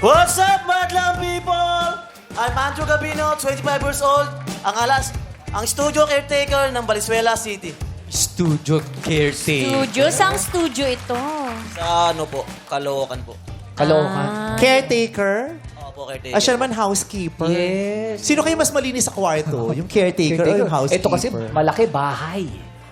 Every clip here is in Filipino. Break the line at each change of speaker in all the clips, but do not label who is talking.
What's up, madlang people? I'm Andrew Gabino, 25 years old. Ang studio caretaker ng Valenzuela City.
Studio caretaker.
Studio? Saan studio ito?
Sa ano po, Caloocan po.
Caloocan. Caretaker?
Opo, caretaker.
Siya naman housekeeper.
Yes.
Sino kayo mas malinis sa kwarto? Yung caretaker, o yung housekeeper?
Ito kasi malaki bahay.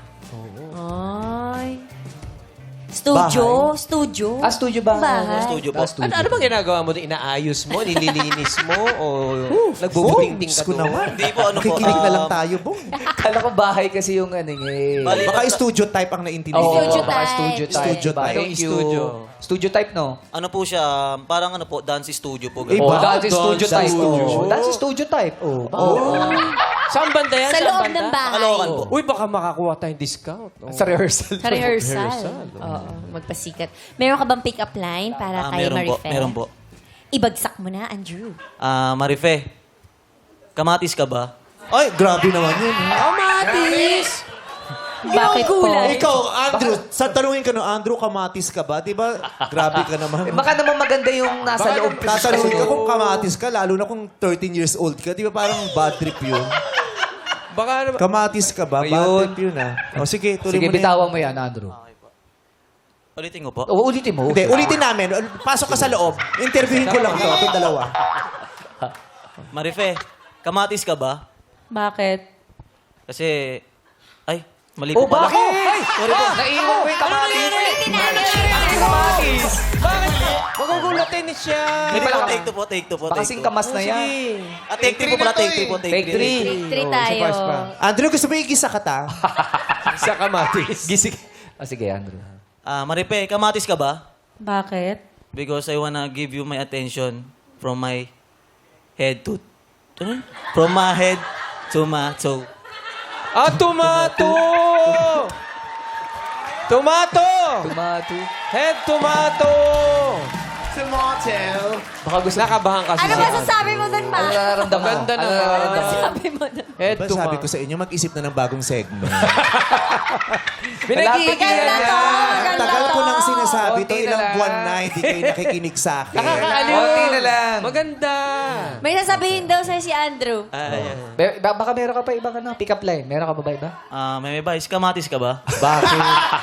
Ay. Studio? Studio?
Ah, studio ba?
Bahay.
Studio po.
Ano bang ginagawa mo? Inaayos mo? Nililinis mo? O nagbubuting-ting ka
Ko
doon?
naman.
Hindi po, ano po.
Nakikinig na lang tayo, Bong.
Kala ko bahay kasi yung ano eh.
Bali,
Baka studio type ang naintindihan.
Studio
baka
type.
studio type.
Studio type.
Thank you.
Studio.
Studio type, no?
ano po siya, parang ano po, dance studio po.
Eh,
Oh,
ba?
that's studio
Dance
type.
studio.
Oh, that's studio type. Oh.
Saan banda yan?
Sa
Saan
loob
banda?
ng bahay.
Caloocan po.
Uy, baka makakuha tayong discount. Oh.
Sa rehearsal.
Sa rehearsal.
Rehearsal.
Oo, magpasikat. Meron ka bang pick-up line para kay
Meron po,
Marife?
meron po.
Ibagsak mo na, Andrew.
Marife, kamatis ka ba?
Ay, grabe naman yun.
Kamatis!
Bakit po?
Ikaw, Andrew, sa tanungin ka no, Andrew, kamatis ka ba? Diba, grabe ka naman.
Baka naman maganda yung nasa loob.
Tatanungin ka kung kamatis ka, lalo na kung 13 years old ka. Di ba parang bad trip yun?
Baka naman...
Kamatis ka ba? Bad
Ayun.
trip yun ah. O sige, tuloy
Sige,
mo na yan.
bitawan mo yan, Andrew.
Ulitin ko po.
Oo, ulitin mo.
Hindi, ulitin namin. Pasok ka sa loob. Interviewin ko lang to, itong dalawa.
Marife, kamatis ka ba?
Bakit?
Kasi, ay, mali
Oh,
po pala.
bakit?
Sorry po.
Naiwan ko yung kamatis.
Kamatis! Bakit? Magugulatin siya.
Hindi po, take two po, take two po.
Baka kasing kamas na yan.
Take three po pala, take three po,
Take three.
Take 3 tayo.
Andrew, gusto mo igisa ka ta?
Sa kamatis.
Gising. Ah, sige, Andrew.
Marife, kamatis ka ba?
Bakit?
Because I wanna give you my attention from my head to... Ano? From my head to my toe.
Ah, tomato! Tomato!
Tomato.
Head tomato!
Baka gusto.
Nakabahan kasi
Ano
si
ba
Andrew.
sasabi mo doon, Ma?
Ano nararamdaman?
Ganda na.
Ano nararamdaman?
Sabi mo doon.
Head
Diba
tomato.
sabi ko sa inyo, mag-isip na ng bagong segment.
Pinagigilan
Ganda
niya.
to, ganda
Tagal ko
to.
nang sinasabi to,
Konti na
ilang
lang.
buwan na, hindi kayo nakikinig sa akin.
Nakakaaliw.
Konti na lang.
Maganda.
May sasabihin daw sa'yo si Andrew.
Baka meron ka pa ibang ano, pick-up line. Meron ka pa ba iba?
May advice, kamatis ka ba?
Bakit?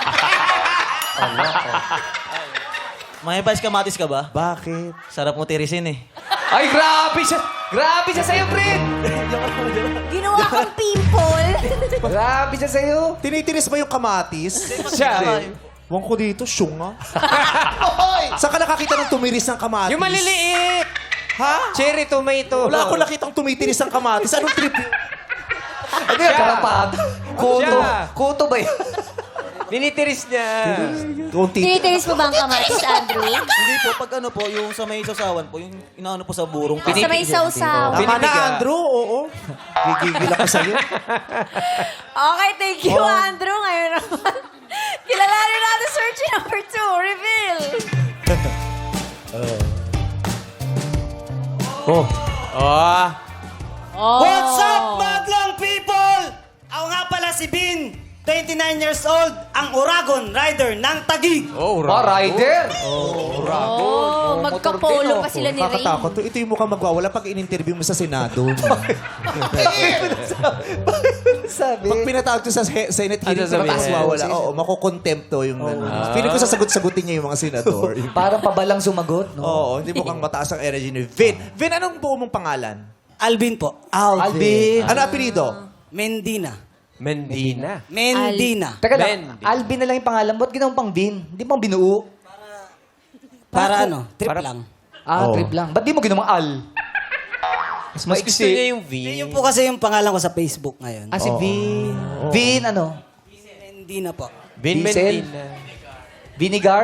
May advice, kamatis ka ba?
Bakit?
Sarap mo tirisin eh.
Ay, grabe siya! Grabe siya sa'yo, Fred!
Ginawa kong pimple.
Grabe siya sa'yo!
Tinitiris ba yung kamatis?
Siya.
Huwag ko dito, syunga. Saan ka nakakita ng tumiris ng kamatis?
Yung maliliit.
Ha?
Cherry tomato.
Wala ako nakitang tumitiris ng kamatis. Anong trip yun?
Ano yan? Karapat? Kuto.
Siya.
Kuto ba yun?
Ninitiris niya.
Kunti.
Tinitiris mo ba ang kamatis, Andrew?
Hindi po, pag ano po, yung sa may sausawan po, yung inaano po sa burong.
Sa may sausaw.
Tama na,
Pinipiga.
Andrew. Oo. Gigigil ako sa'yo.
Okay, thank you, Andrew. Ngayon naman, kilalanin natin search number 2. Reveal.
Oh.
What's up, madlang people? Ako nga pala si Bin, 29 years old, ang Uragon Rider ng Taguig.
Oh,
Rider!
Oh, magkapolo pa sila ni Ray.
Nakakatakot to. Ito yung mukhang magwawala pag in-interview mo sa Senado.
Sabi.
Pag pinatawag to sa Senate hearing,
sabihin?
mataas wawala. Oo, makukontempto yung gano'n. Feeling ko sasagot-sagutin niya yung mga senador.
Parang pabalang sumagot, no?
Oo, hindi mukhang mataas ang energy ni Vin. Vin, anong buo mong pangalan?
Alvin po.
Alvin.
Ano apelido?
Mendina.
Mendina.
Mendina.
Teka lang,
Ben.
Alvin na lang yung pangalan mo. Ba't ginawang pang Vin? Hindi pang binuo?
Para ano, trip
Para-
lang.
Ah,
Oo.
trip lang. Ba't di mo ginawang Al?
Mas gusto niya yung V.
Yun po kasi yung pangalan ko sa Facebook ngayon.
Ah, si Vin. Vin, ano?
Mendina po.
Vin
Diesel?
Mendina.
Vinegar?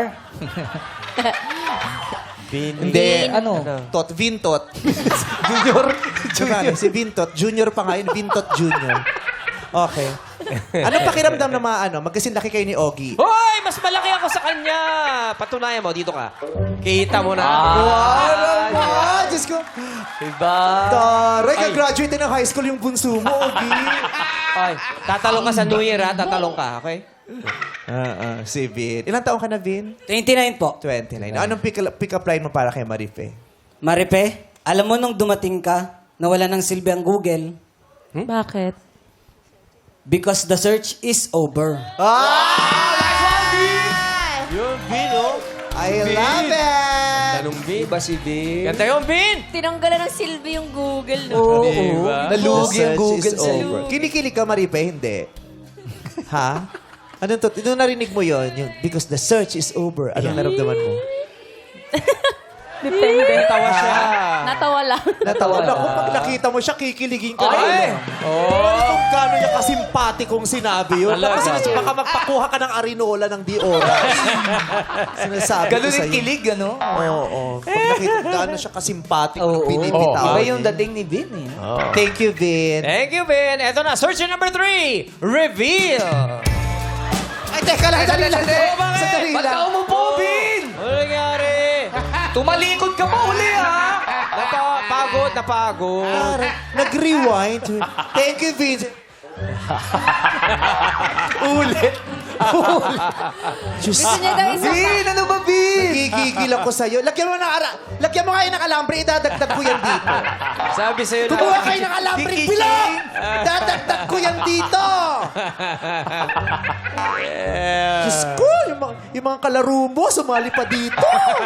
Vin.
Hindi.
Ano?
Tot. Vintot.
Junior?
Junior. Si Vintot. Junior pa nga yun. Vintot Junior. Okay. Anong pakiramdam na magkasin laki kayo ni Ogie?
Hoy! Mas malaki ako sa kanya! Patunayan mo, dito ka. Kita mo na.
Ah, Diyos ko.
Diba?
Taray, ka-graduate na ng high school yung bunso mo, Ogie.
Ay, tatalong ka sa New Year, ha? Tatalong ka, okay?
Si Vin. Ilang taong ka na, Vin?
29 po.
29. Anong pick-up line mo para kay Marife?
Maripe, alam mo nung dumating ka, nawala ng silbi ang Google
Bakit?
because the search is over.
Yun, Vin, oh.
I love it!
Tanong Vin.
Iba si Vin.
Ganda yun, Vin!
Tinanggalan ng silbi yung Google, no?
Oo.
Diba?
Nalugi ang
The search
Google
is
sa'yo.
over. Kinikilig ka, Maripe? Hindi. Ha? Anong to? Nung narinig mo yon, yung because the search is over, anong naramdaman mo?
Depende.
Tawa siya.
Natawa lang.
Natawa na. Kung pag nakita mo siya, kikiligin ka
Ay!
na. Oh. Kung gano'n niya kasimpatikong sinabi yun.
Talaga.
Kasi baka magpakuha ka ng arinola ng di oras. Sinasabi
Ganun
ko
yung
sa'yo.
kilig, ano?
Oo. Pag nakita, gano'n siya kasimpatik
Oo.
nung binibitaw.
Iba yung dating ni Vin, eh.
Thank you, Vin.
Thank you, Vin. Eto na, search number 3. Reveal.
Ay, teka lang. Sandali lang.
bakit?
Sandali
Ba't ka
lang.
umupo, Vin?
Ano nangyari?
Tumalikod ka pa uli, ha?
Napagod.
Parang nag-rewind. Thank you, Vin. Ulit.
Gusto niya daw isa pa.
Vin, ano ba, Vin?
Nagigigil ako sa'yo. Lagyan mo nga ng alambre, idadagdag ko yan dito.
Sabi sa'yo na.
Kumuha kayo ng alambre, bilog! Idadagdag ko yan dito! Diyos ko, yung mga kalaro mo, sumali pa dito.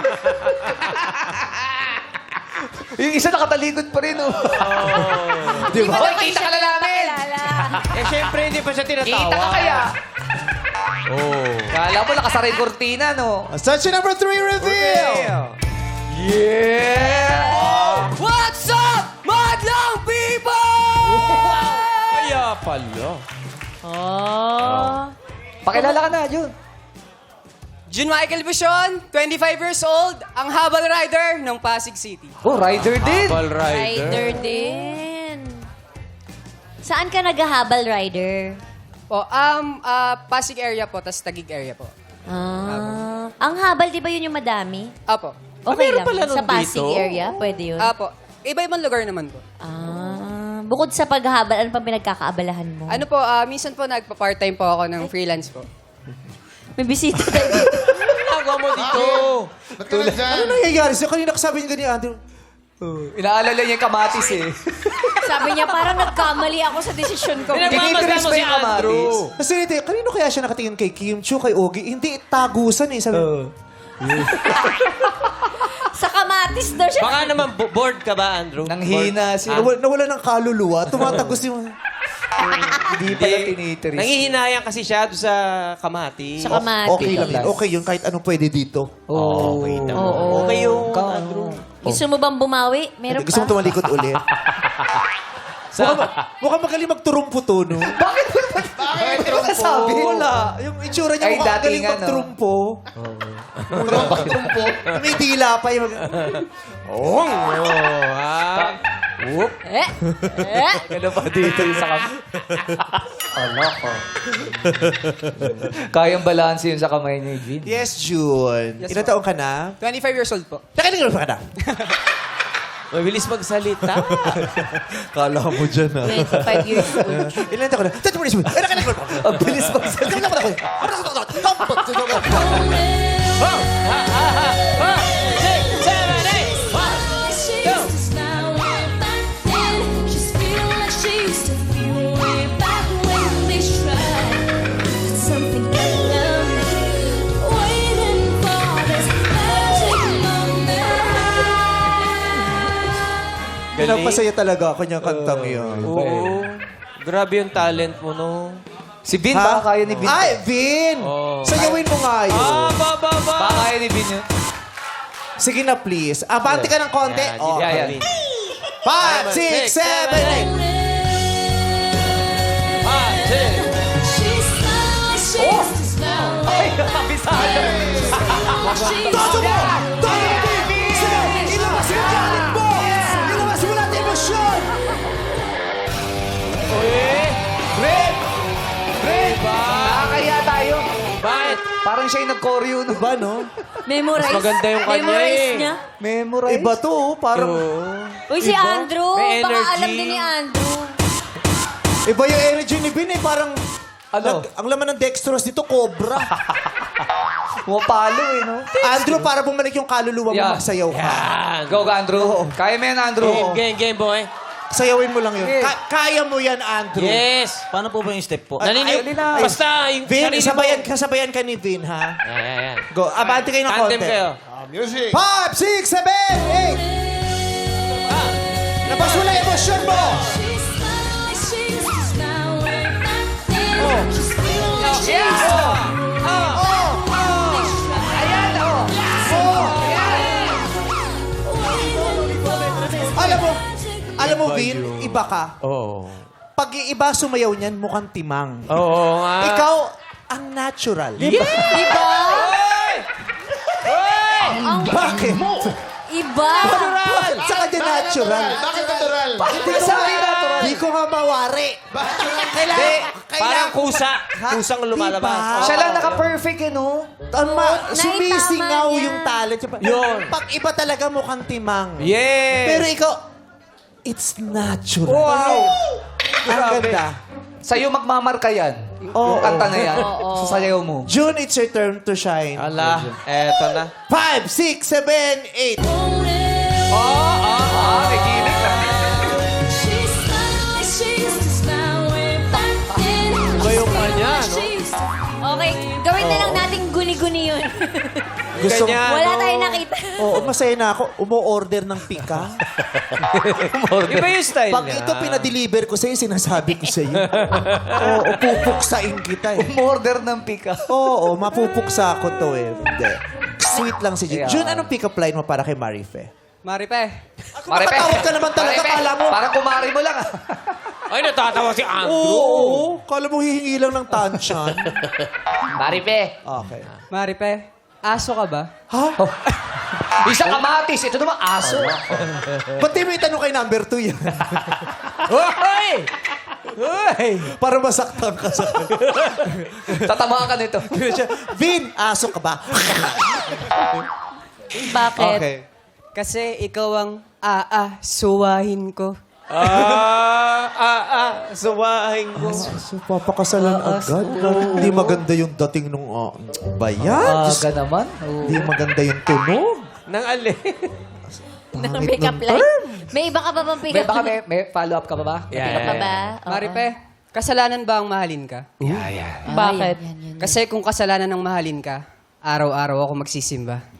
Yung isa nakatalikod pa rin, oh.
Di ba?
Hoy, kita ka na namin!
Eh, syempre, hindi pa siya tinatawa.
Kita ka kaya?
Oh.
Kala mo, nakasara yung kortina, no?
Search number 3 reveal!
Yeah!
What's up, madlang people?
Kaya pala.
Oh.
Pakilala ka na, Jun.
Jun Michael Bushon, 25 years old, ang habal rider ng Pasig City.
Oh, rider din.
Habal
Rider din. Saan ka naghahabal, rider?
Po, Pasig area po, tas Taguig area po.
Ang habal, di ba yun yung madami?
Apo.
Okay
meron
lang.
pala nun
Sa Pasig
dito?
area, pwede yun.
Apo. Iba-ibang lugar naman po.
Bukod sa paghahabal, ano pang pinagkakaabalahan mo?
Ano po, minsan po nagpa-part-time po ako ng freelance po.
May bisita tayo.
Ginagawa mo dito.
Ano nangyayari sa'yo? Kanina kasabi niya ganyan, Andrew.
Inaalala niya yung kamatis, eh.
Sabi niya, parang nagkamali ako sa desisyon ko.
Pinagmamasdan mo si Andrew.
Kasi kanino kaya siya nakatingin kay Kim Chiu, kay Ogie? Hindi, tagusan eh. Sabi,
Sa kamatis daw siya.
Baka naman, bored ka ba, Andrew?
Nang hina si...
nawala ng kaluluwa, tumatagos yung...
Hindi pala tinitris.
Nangihinayang kasi siya doon sa kamatis.
Sa kamatis.
Okay lang yun. Okay yun, kahit anong pwede dito.
Oh.
Okay naman.
Oo.
Okay yung
Ka-
Andrew.
Gusto mo bang bumawi? Meron
Gusto mo
pa.
tumalikod ulit? Mukhang magaling magturumpo to, no?
Bakit? Bakit? Ano nasabi?
Wala. Yung itsura niya
Ay,
mukhang magaling
datingan, no?
magturumpo. Magturumpo. May dila pa yung...
Oh, ha? Whoop.
Ano pa dito yung sa kamay? Ala ko. Kayang balanse yun sa kamay ni Vin.
Yes, June. Ilan taong ka na?
25 years old po.
Nakinig pa ka na?
Mabilis magsalita.
Kala mo dyan, ha?
25 years old.
Ilan taong ka na? Tati mo rin, Ay, nakinig pa.
Ang bilis magsalita.
Pinapasaya talaga ako niyang kantang yun.
Oo. Grabe yung talent mo, no?
Si Vin,
Ha?
baka kaya ni Vin.
Ay, Vin!
Oh.
Sayawin mo nga yun.
Ba.
Baka kaya ni Vin yun.
Sige na, please. Abante ka ng konti.
Yan,
Oh.
yeah, yan.
5, 6, 7, 8.
Ay, kabisado.
Todo mo! Todo mo! Sige! Ilabas yung galit mo! Ilabas mo natin emosyon!
Vin! Vin! Nakakaya tayo.
Bakit?
Parang siya yung nag-choreo. No?
Iba, no?
Memorize.
Mas maganda yung kanya
Memorize
eh.
niya.
Memorize.
Iba to, oh. Parang...
Uy, si Andrew.
May
Baka
energy.
alam din ni Andrew.
Iba yung energy ni Vin eh. Parang...
Ano?
Ang laman ng dextrose dito, cobra.
Pumapalo eh, no?
Andrew, para bumalik yung kaluluwa mo,
Yeah.
magsayaw ka.
Yan.
Go, Andrew. Kaya mo yan, Andrew.
Game, boy.
Sayawin mo lang yun.
Okay.
Kaya mo yan, Andrew.
Yes.
Paano po ba yung step po?
Naninig.
na.
Basta yung
Vin,
sarili
sabayan ka ni Vin, ha?
Yan.
Go, abante kayo ng konti.
Tandem kayo.
5, 6, 7, 8. Labas mo na emosyon mo! Alam mo, Vin, iba ka.
Oo.
Pag iba sumayaw niyan, mukhang timang.
Oo nga.
Ikaw, ang natural.
Diba?
Bakit?
Iba.
Sa kanya natural.
Bakit natural?
Hindi ko natural. Hindi ko nga mawari.
Parang kusa. Kusang lumalabas.
Diba?
Siya lang naka-perfect eh, no?
Tama, sumisingaw
niya.
yung talent.
Yun.
Pag iba talaga mukhang timang.
Yes.
Pero ikaw, it's natural.
Wow!
Ang ganda.
Sa'yo magmamarka yan. Yung kanta na yan. Sa sayaw mo.
June, it's your turn to shine.
Ala, eto na.
5, 6, 7, 8.
May ginig na.
Iba yung kanya, no?
Okay, gawin na lang nating guni-guni yun.
Gusto
Ganyan,
Wala
no?
tayong nakita.
Oo, masaya na ako. Umo-order ng pika.
Iba yung style
Pag
niya.
ito pinadeliver ko sa'yo, sinasabi ko sa'yo. Oo, pupuksain kita eh.
Umorder ng pika.
Oo, mapupuksa ko to eh. Hindi. Sweet lang si June.
Yeah.
June, anong pick-up line mo para kay Marife?
Maripe.
Mapatawag ka naman talaga, kala mo.
Parang kumari mo lang.
Ay, natatawa si Andrew.
Oo, kala mo hihingi lang ng tansyan.
Maripe.
Okay.
Maripe. Aso ka ba?
Ha?
Isang kamatis. Ito naman aso.
Ba't di mo itanong kay number 2 yan?
Hoy!
Para masaktan ka sa
Tatamaan ka nito.
Vin, aso ka ba?
Bakit?
Okay.
Kasi ikaw ang suwahin ko.
Suwahin ko.
So, papakasalan agad. Hindi maganda yung dating nung... bayan?
Aga naman.
Hindi maganda yung tunog.
Nang ali.
Ng
Pangit
pick-up
ng
line.
term.
May iba ka pa bang
May,
pick-up
baka
line?
may follow-up ka pa ba?
Pick-up pa ba? Oo.
Maripe, kasalanan ba ang mahalin ka?
Bakit?
Kasi kung kasalanan ng mahalin ka, araw-araw ako magsisimba.